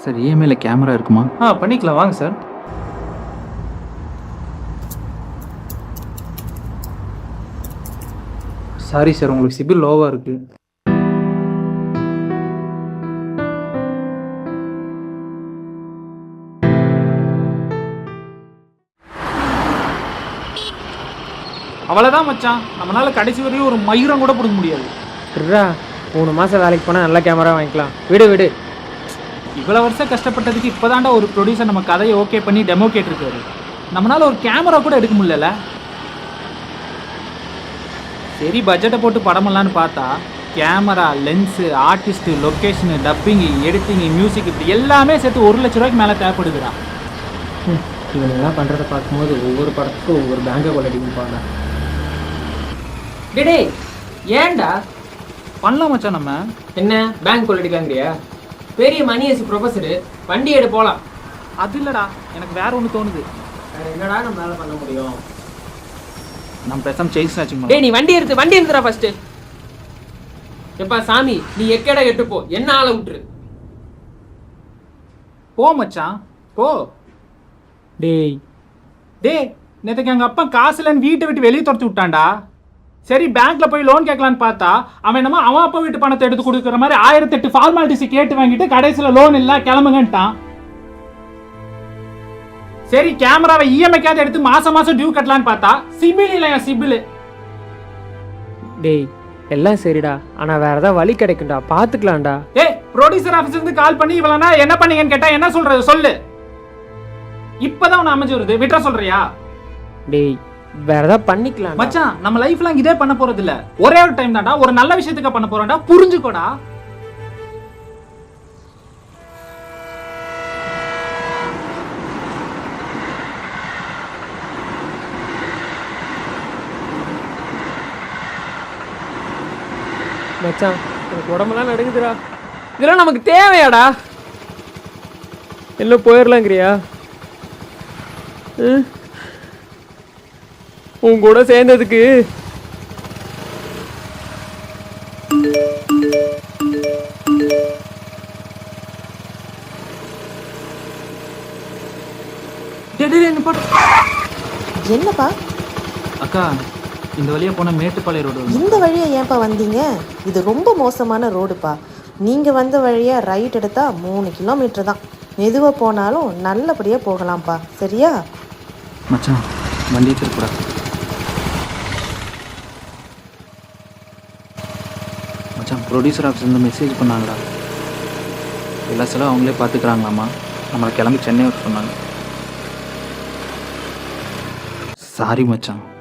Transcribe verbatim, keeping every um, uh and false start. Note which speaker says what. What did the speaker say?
Speaker 1: Sir இஎம்ஐல camera இருக்குமா?
Speaker 2: ஆ பண்ணிக்கலாம் வாங்க சார். சாரி சார், உங்களுக்கு சிபில் லோவாக இருக்குது. அவ்வளோதான் மச்சான், நம்மளால கடைசி வரையும் ஒரு மயிரம் கூட பிடிக்க முடியாது.
Speaker 3: இருடா, மூணு மாதம் வேலைக்கு போனால் நல்ல கேமரா வாங்கிக்கலாம். விடு விடு.
Speaker 2: இவ்வளோ வருஷம் கஷ்டப்பட்டதுக்கு இப்போதான்டா ஒரு ப்ரொடியூசர் நம்ம கதையை ஓகே பண்ணி டெமோ கேட்டிருக்காரு. நம்மளால ஒரு கேமரா கூட எடுக்க முடியல. சரி பட்ஜெட்டை போட்டு படமெல்லான்னு பார்த்தா camera, lens, artist, location, dubbing, editing, music இப்படி எல்லாமே சேர்த்து ஒரு லட்ச ரூபாய்க்கு மேலே தேவைப்படுதுடா.
Speaker 3: இவனெல்லாம் பண்ணுறதை பார்க்கும்போது ஒவ்வொரு படத்துக்கும் ஒவ்வொரு பேங்கை கொள்ளடிக்கும் பாங்க. டே ஏன்டா
Speaker 2: பண்ணலாம் மச்சான். நம்ம
Speaker 3: என்ன பேங்க் கொள்ளடிக்காங்கறியா? பெரிய மணியசி ப்ரொஃபஸரு, வண்டி எடு போகலாம்.
Speaker 2: அது இல்லைடா, எனக்கு வேற ஒன்று தோணுது.
Speaker 3: என்னடா நம்மளால பண்ண முடியும்?
Speaker 2: நம்ம பேசாம செயின் ஸ்நாச்சிங்.
Speaker 3: டேய் நீ வண்டி எடுத்து வண்டி எடுத்துடா ஃபர்ஸ்ட். எப்பா சாமி, நீ எக்கேடா எட்டு போ, என்ன ஆளை விட்டுரு.
Speaker 2: போ மச்சான் போ.
Speaker 3: டேய்
Speaker 2: டேய் நேற்றுக்கு எங்கள் அப்பா காசு இல்லைன்னு வீட்டை விட்டு வெளியே துரத்து விட்டான்டா. சரி பேங்க்ல போய் லோன் கேட்கலான்னு பார்த்தா அவன் என்னமோ அவன் அப்பா வீட்டு பணத்தை எடுத்து கொடுக்குற மாதிரி ஆயிரத்தி எட்டு ஃபார்மாலிட்டிஸ் கேட்டு வாங்கிட்டு கடைசியில் லோன் இல்லை கிளம்புங்கன்ட்டான். சரி கேமராவை இஎம்ஐக்காவது எடுத்து மாசம் மாசம் டியூ கட்டலான்னு பார்த்தா சிபில் இல்லையா சிபில்.
Speaker 3: டேய் எல்லாம் சரிடா, ஆனால் வேற ஏதாவது வழி கிடைக்கும்டா, பார்த்துக்கலாம்டா.
Speaker 2: ஏய் ப்ரொடியூசர் ஆஃபீஸ்லேருந்து கால் பண்ணி இவ்வளோனா என்ன பண்ணீங்கன்னு கேட்டால் என்ன சொல்றது சொல்லு. இப்போதான் உன்னை அமைஞ்சு வருது, விட்டுற சொல்றியா?
Speaker 3: டேய் வேற ஏதாவது பண்ணிக்கலாம்
Speaker 2: மச்சான். நம்ம லைஃப்ல இதே பண்ண போறது இல்ல, ஒரே ஒரு டைம் தான்டா, ஒரு நல்ல விஷயத்துக்கு பண்ண போறோம்டா, புரிஞ்சுக்கோடா.
Speaker 3: மச்சான் எனக்கு உடம்பெல்லாம் நடுங்குதுடா. இதெல்லாம் நமக்கு தேவையாடா? எல்லாம் போயிடலாங்கிறியா? உன் கூட சேர்ந்ததுக்கு
Speaker 4: என்னப்பா
Speaker 2: அக்கா, இந்த வழியா போன மேட்டுப்பாளைய ரோடு.
Speaker 4: இந்த வழியா ஏன்பா வந்தீங்க? இது ரொம்ப மோசமான ரோடுப்பா. நீங்க வந்த வழியா ரைட் எடுத்தா மூணு கிலோமீட்டர் தான். மெதுவா போனாலும் நல்லபடியா போகலாம்ப்பா, சரியா?
Speaker 1: மச்சான் வண்டி திருப்புடா. மச்சான் ப்ரொடியூசர் ஆஃபீஸ்லேருந்து மெசேஜ் பண்ணாங்கடா. எல்லா செலவும் அவங்களே பார்த்துக்கிறாங்களாம்மா. நம்மளை கிளம்பி சென்னை வர சொன்னாங்க. சாரி மச்சான்.